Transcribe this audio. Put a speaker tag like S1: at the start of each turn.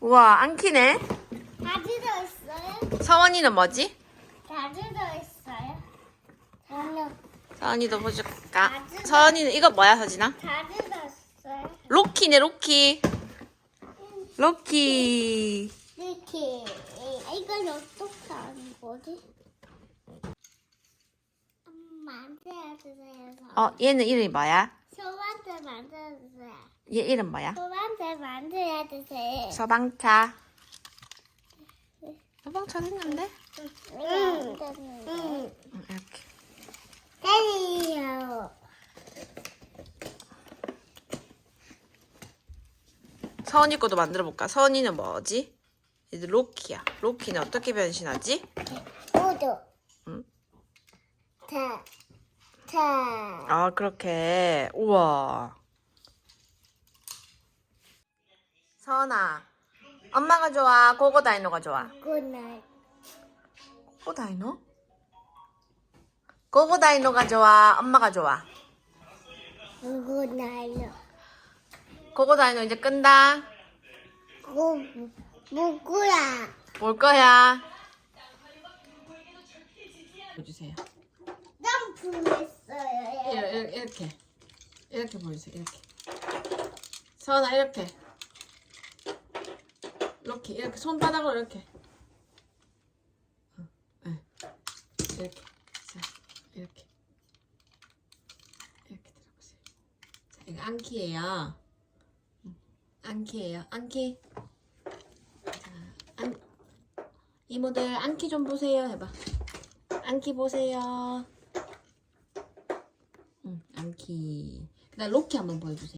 S1: 우와, 안키네.
S2: 다 들어있어요?
S1: 서원이는 뭐지?
S2: 다 들어있어요? 저는
S1: 서원이도 보여줄까?
S2: 맞아.
S1: 서원이는 이거 뭐야, 서진아?
S2: 다 들어있어요?
S1: 로키네, 로키. 로키.
S2: 이렇게 이걸 어떻게 하는 거지? 만들어주세요.
S1: 얘는 이름이 뭐야?
S2: 소반대 만들어주세요.
S1: 얘 이름 뭐야?
S2: 소반대 만들어주세요.
S1: 서방차. 서방차 됐는데? 이렇게.
S2: 때리요.
S1: 서원이 것도 만들어 볼까? 서원이는 뭐지? 얘들 로키야. 로키는 어떻게 변신하지?
S2: 모두.
S1: 응?
S2: 자.
S1: 아, 그렇게. 우와. 서원아, 엄마가 좋아? 고고다이노가 좋아?
S2: 굿나잇.
S1: 고고다이노? 고고다이노가 좋아? 엄마가 좋아?
S2: 굿나잇.
S1: 고고다이노 이제 끈다.
S2: 뭐야?
S1: 올 거야. 보여주세요.
S2: 난 불렀어요.
S1: 이렇게 보여주세요. 이렇게. 서원아, 이렇게. 이렇게 손바닥으로 이렇게. 네. 이렇게. 자, 이렇게 들어보세요. 자, 이거 안키예요. 안키예요. 안키. 자, 이모들 안키 좀 보세요. 해봐. 안키 보세요. 안키. 그다음 로키 한번 보여주세요.